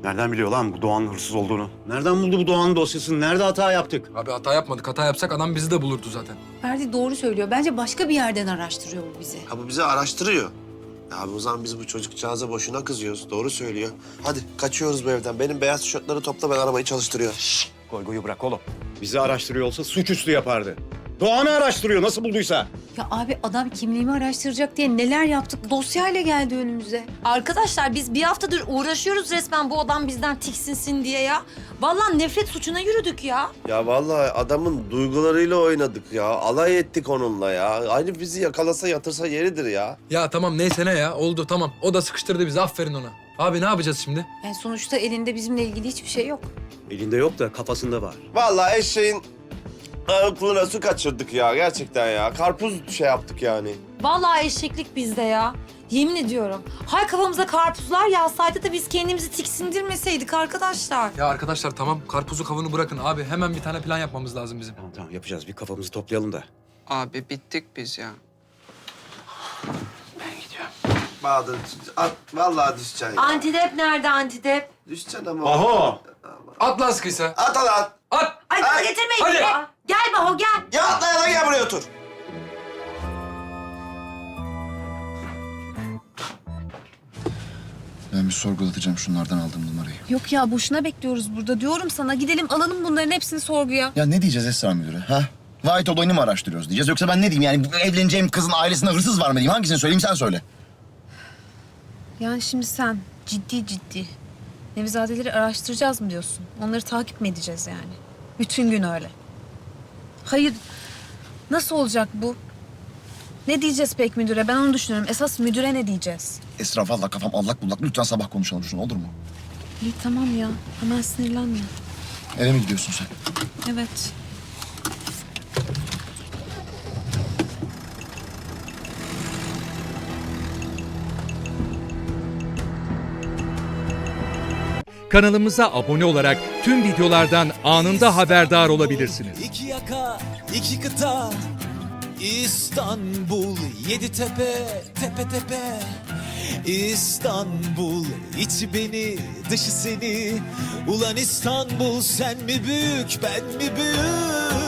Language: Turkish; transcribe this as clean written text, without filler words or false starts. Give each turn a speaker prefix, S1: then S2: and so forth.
S1: Nereden biliyor lan bu Doğan'ın hırsız olduğunu? Nereden buldu bu Doğan'ın dosyasını? Nerede hata yaptık?
S2: Abi hata yapmadık. Hata yapsak adam bizi de bulurdu zaten.
S3: Ferdi doğru söylüyor. Bence başka bir yerden araştırıyor bu bizi.
S4: Ha bu bizi araştırıyor. Ya abi o zaman biz bu çocukcağıza boşuna kızıyoruz. Doğru söylüyor. Hadi kaçıyoruz bu evden. Benim beyaz tişörtleri topla, ben arabayı çalıştırıyorum.
S1: Goygoyu bırak oğlum. Bizi araştırıyor olsa suçüstü yapardı. Doğan'ı araştırıyor nasıl bulduysa.
S3: Ya abi adam kimliğimi araştıracak diye neler yaptık. Dosyayla geldi önümüze.
S5: Arkadaşlar biz bir haftadır uğraşıyoruz resmen bu adam bizden tiksinsin diye ya. Vallahi nefret suçuna yürüdük ya.
S4: Ya vallahi adamın duygularıyla oynadık ya. Alay ettik onunla ya. Aynı bizi yakalasa yatırsa yeridir ya.
S2: Ya tamam neyse ne ya. Oldu tamam. O da sıkıştırdı bizi. Aferin ona. Abi ne yapacağız şimdi?
S3: Yani sonuçta elinde bizimle ilgili hiçbir şey yok.
S1: Elinde yok da kafasında var.
S4: Vallahi eşeğin aklına su kaçırdık ya gerçekten ya. Karpuz şey yaptık yani.
S5: Vallahi eşeklik bizde ya. Yemin ediyorum. Hay kafamıza karpuzlar yağsaydı da biz kendimizi tiksindirmeseydik arkadaşlar.
S2: Ya arkadaşlar tamam. Karpuzu kavunu bırakın abi. Hemen bir tane plan yapmamız lazım bizim.
S1: Tamam yapacağız. Bir kafamızı toplayalım da.
S6: Abi bittik biz ya.
S4: Bahadır at, vallahi düşeceksin ya.
S5: Antidep nerede antidep?
S4: Düşeceksin ama.
S1: Aho!
S2: At lan sıkıysa.
S4: At al at.
S2: At!
S5: Ay
S4: Ay,
S5: getirmeyin.
S2: hadi.
S5: Ya. Gel Baho gel.
S4: Ya atla ya da gel buraya otur.
S7: Ben bir sorgulatacağım şunlardan aldığım numarayı.
S8: Yok ya boşuna bekliyoruz burada. Diyorum sana gidelim alalım bunların hepsini sorguya.
S7: Ya ne diyeceğiz Esra Müdürü ha? Vahit olayını mı araştırıyoruz diyeceğiz yoksa ben ne diyeyim yani bu evleneceğim kızın ailesinde hırsız var mı diyeyim? Hangisini söyleyeyim sen söyle.
S8: Yani şimdi sen ciddi Nevizadeleri araştıracağız mı diyorsun? Onları takip mi edeceğiz yani? Bütün gün öyle. Hayır nasıl olacak bu? Ne diyeceğiz pek müdüre? Ben onu düşünüyorum. Esas müdüre ne diyeceğiz?
S7: Esra vallahi kafam allak bullak. Lütfen sabah konuşalım şunu olur mu?
S8: İyi tamam ya. Hemen sinirlenme.
S7: Eve mi gidiyorsun sen?
S8: Evet.
S9: Kanalımıza abone olarak tüm videolardan anında haberdar olabilirsiniz.
S10: İki yaka, iki kıta, İstanbul, yedi tepe, tepe tepe. İstanbul, içi beni, dışı seni. Ulan İstanbul, sen mi büyük, ben mi büyük?